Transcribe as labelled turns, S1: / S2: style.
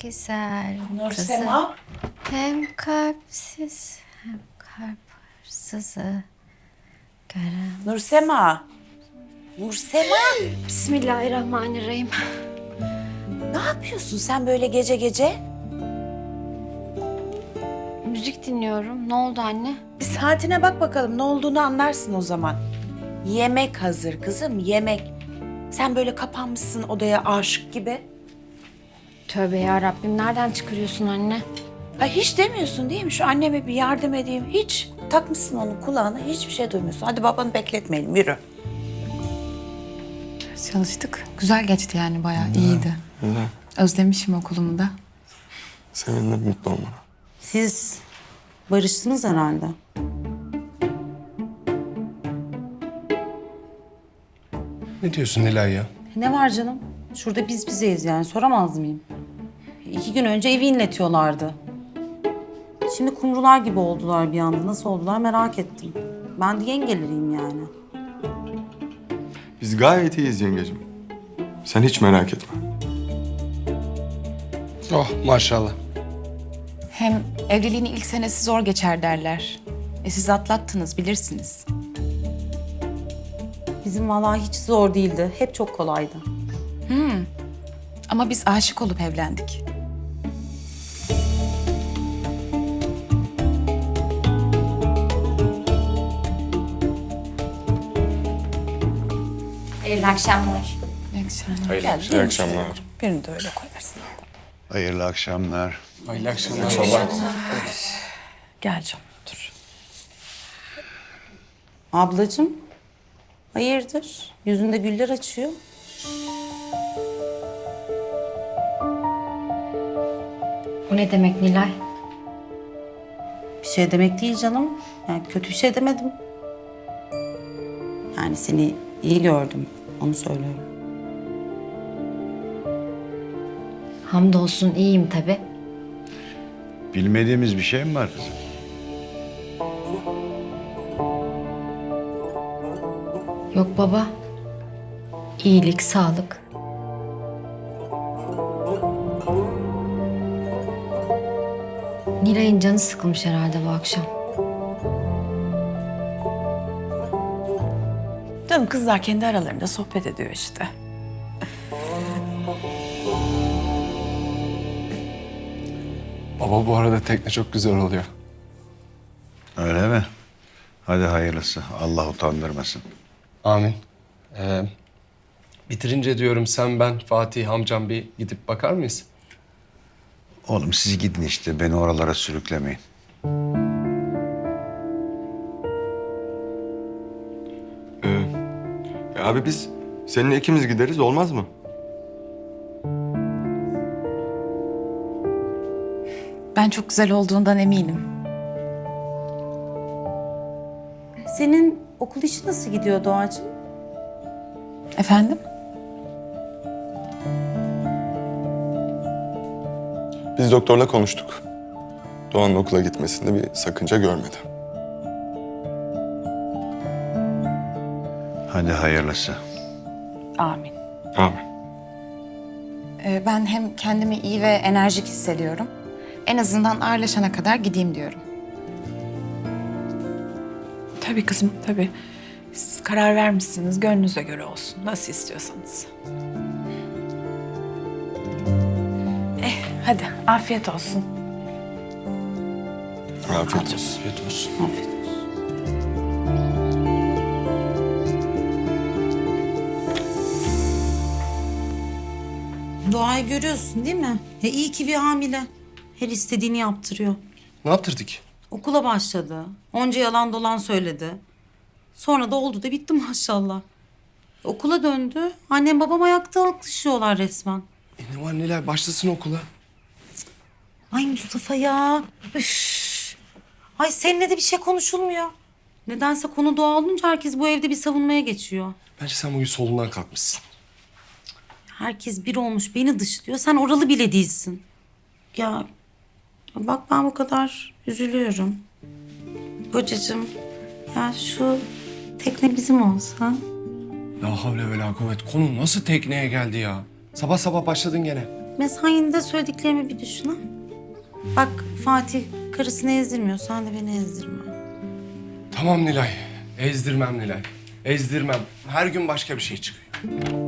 S1: güzel kızı.
S2: Nursema.
S1: Hem kalpsiz hem kalp hırsızı gören.
S2: Nursema. Nursema.
S1: Bismillahirrahmanirrahim.
S2: Ne yapıyorsun sen böyle gece gece?
S1: Müzik dinliyorum. Ne oldu anne?
S2: Bir saatine bak bakalım, ne olduğunu anlarsın o zaman. Yemek hazır kızım, yemek. Sen böyle kapanmışsın odaya aşık gibi.
S1: Tövbe ya Rabbim, nereden çıkarıyorsun anne?
S2: Ay hiç demiyorsun değil mi? Şu anneme bir yardım edeyim. Hiç takmışsın onun kulağına, hiçbir şey duymuyorsun. Hadi babanı bekletmeyelim, yürü.
S3: Çalıştık. Güzel geçti yani, bayağı iyiydi.
S4: Güzel.
S3: Özlemişim okulumu da.
S4: Seninle mutlu olmana.
S2: Siz barıştınız herhalde.
S5: Ne diyorsun Nilay ya?
S6: Ne var canım? Şurada biz bizeyiz yani, soramaz mıyım? 2 gün önce evi inletiyorlardı. Şimdi kumrular gibi oldular bir anda. Nasıl oldular merak ettim. Ben de yengeleriyim yani.
S4: Biz gayet iyiyiz yengecim. Sen hiç merak etme.
S5: Oh maşallah.
S3: Hem evliliğin ilk senesi zor geçer derler. Siz atlattınız, bilirsiniz.
S6: Bizim vallahi hiç zor değildi. Hep çok kolaydı.
S3: Ama biz aşık olup evlendik.
S1: Hayırlı akşamlar.
S3: İyi akşamlar.
S4: İyi akşamlar.
S2: Birini de öyle koyarsın.
S7: Hayırlı akşamlar.
S5: Hayırlı akşamlar.
S2: Gel canım, dur.
S6: Ablacığım, hayırdır? Yüzünde güller açıyor.
S1: O ne demek Nilay?
S6: Bir şey demek değil canım. Yani kötü bir şey demedim. Yani seni iyi gördüm. Onu söylüyorum.
S1: Hamdolsun iyiyim tabii.
S7: Bilmediğimiz bir şey mi var kızım?
S1: Yok baba. İyilik, sağlık. Nilay'ın canı sıkılmış herhalde bu akşam.
S2: Canım kızlar kendi aralarında sohbet ediyor işte.
S5: Baba bu arada tekne çok güzel oluyor.
S7: Öyle mi? Hadi hayırlısı. Allah utandırmasın.
S5: Amin. Bitirince diyorum sen, ben, Fatih, amcam bir gidip bakar mıyız?
S7: Oğlum siz gidin işte. Beni oralara sürüklemeyin.
S4: Abi biz seninle ikimiz gideriz, olmaz mı?
S3: Ben çok güzel olduğundan eminim.
S6: Senin okul işi nasıl gidiyor Doğacığım?
S3: Efendim?
S4: Biz doktorla konuştuk. Doğan'ın okula gitmesinde bir sakınca görmedi.
S7: Hadi hayırlısı.
S2: Amin.
S4: Abi.
S3: Ben hem kendimi iyi ve enerjik hissediyorum. En azından ağırlaşana kadar gideyim diyorum.
S2: Tabii kızım, tabii. Siz karar vermişsiniz, gönlünüze göre olsun. Nasıl istiyorsanız. Hadi afiyet olsun.
S4: Afiyet olsun.
S5: Afiyet olsun.
S6: Afiyet olsun. Doğayı görüyorsun değil mi? İyi ki bir hamile. Her istediğini yaptırıyor.
S5: Ne yaptırdık?
S6: Okula başladı. Onca yalan dolan söyledi. Sonra da oldu da bitti maşallah. Okula döndü. Annem babam ayakta alkışlıyorlar resmen.
S5: Ne var Nilay, başlasın okula.
S6: Ay Mustafa ya. Üf. Ay seninle de bir şey konuşulmuyor. Nedense konu doğa olunca herkes bu evde bir savunmaya geçiyor.
S5: Bence sen bugün solundan kalkmışsın.
S6: Herkes bir olmuş beni dışlıyor. Sen oralı bile değilsin. Ya bak ben bu kadar üzülüyorum. Kocacığım ya şu tekne bizim olsa.
S5: La havle ve la kuvvet. Konu nasıl tekneye geldi ya? Sabah sabah başladın gene.
S6: mesainde söylediklerimi bir düşün ha. Bak Fatih karısını ezdirmiyor. Sen de beni ezdirme.
S5: Tamam Nilay. Ezdirmem Nilay. Ezdirmem. Her gün başka bir şey çıkıyor.